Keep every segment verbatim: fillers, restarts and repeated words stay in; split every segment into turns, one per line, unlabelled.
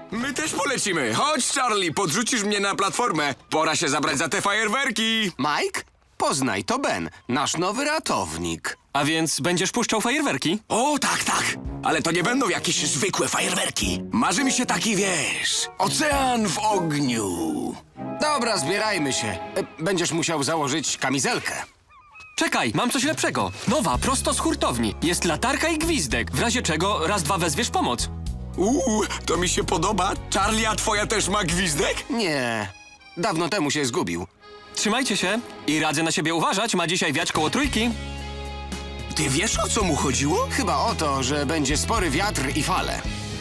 My też polecimy. Chodź, Charlie, podrzucisz mnie na platformę. Pora się zabrać za te fajerwerki.
Mike? Poznaj, to Ben, nasz nowy ratownik.
A więc będziesz puszczał fajerwerki?
O, tak, tak. Ale to nie będą jakieś zwykłe fajerwerki. Marzy mi się taki, wiesz, ocean w ogniu.
Dobra, zbierajmy się. E, Będziesz musiał założyć kamizelkę.
Czekaj, mam coś lepszego. Nowa, prosto z hurtowni. Jest latarka i gwizdek. W razie czego raz, dwa wezwiesz pomoc.
Uuu, to mi się podoba. Charlie, a twoja też ma gwizdek?
Nie, dawno temu się zgubił.
Trzymajcie się i radzę na siebie uważać. Ma dzisiaj wiać koło trójki.
Ty wiesz, o co mu chodziło?
Chyba o to, że będzie spory wiatr i fale.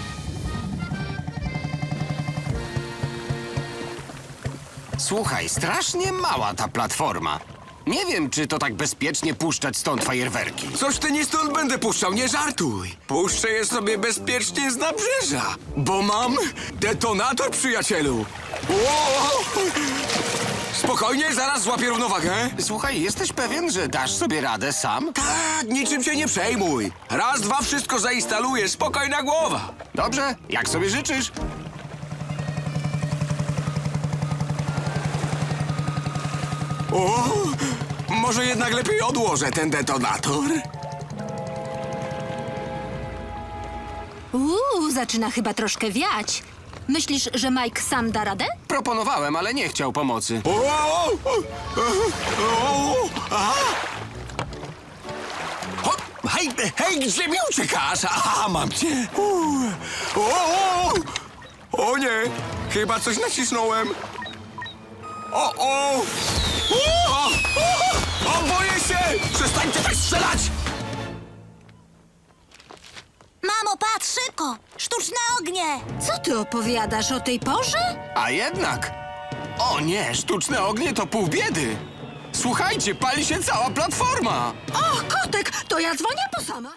Słuchaj, strasznie mała ta platforma. Nie wiem, czy to tak bezpiecznie puszczać stąd fajerwerki.
Coś ty nie stąd będę puszczał, nie żartuj. Puszczę je sobie bezpiecznie z nabrzeża, bo mam detonator, przyjacielu. Ło! Spokojnie, zaraz złapię równowagę.
Słuchaj, jesteś pewien, że dasz sobie radę sam?
Tak, niczym się nie przejmuj. Raz, dwa, wszystko zainstaluję, spokojna głowa.
Dobrze, jak sobie życzysz.
O, może jednak lepiej odłożę ten detonator?
Uuu, zaczyna chyba troszkę wiać. Myślisz, że Mike sam da radę?
Proponowałem, ale nie chciał pomocy.
O, o, o, o, aha. Hop, hej, hej, gdzie mi uciekasz? Aha, mam cię. Uuu. O, o, o nie, chyba coś nacisnąłem. O, o. O, o, o, boję się! Przestańcie tak strzelać!
Mamo, patrz szybko! Sztuczne ognie!
Co ty opowiadasz o tej porze?
A jednak... O nie, sztuczne ognie to pół biedy. Słuchajcie, pali się cała platforma.
O, kotek, to ja dzwonię po sama.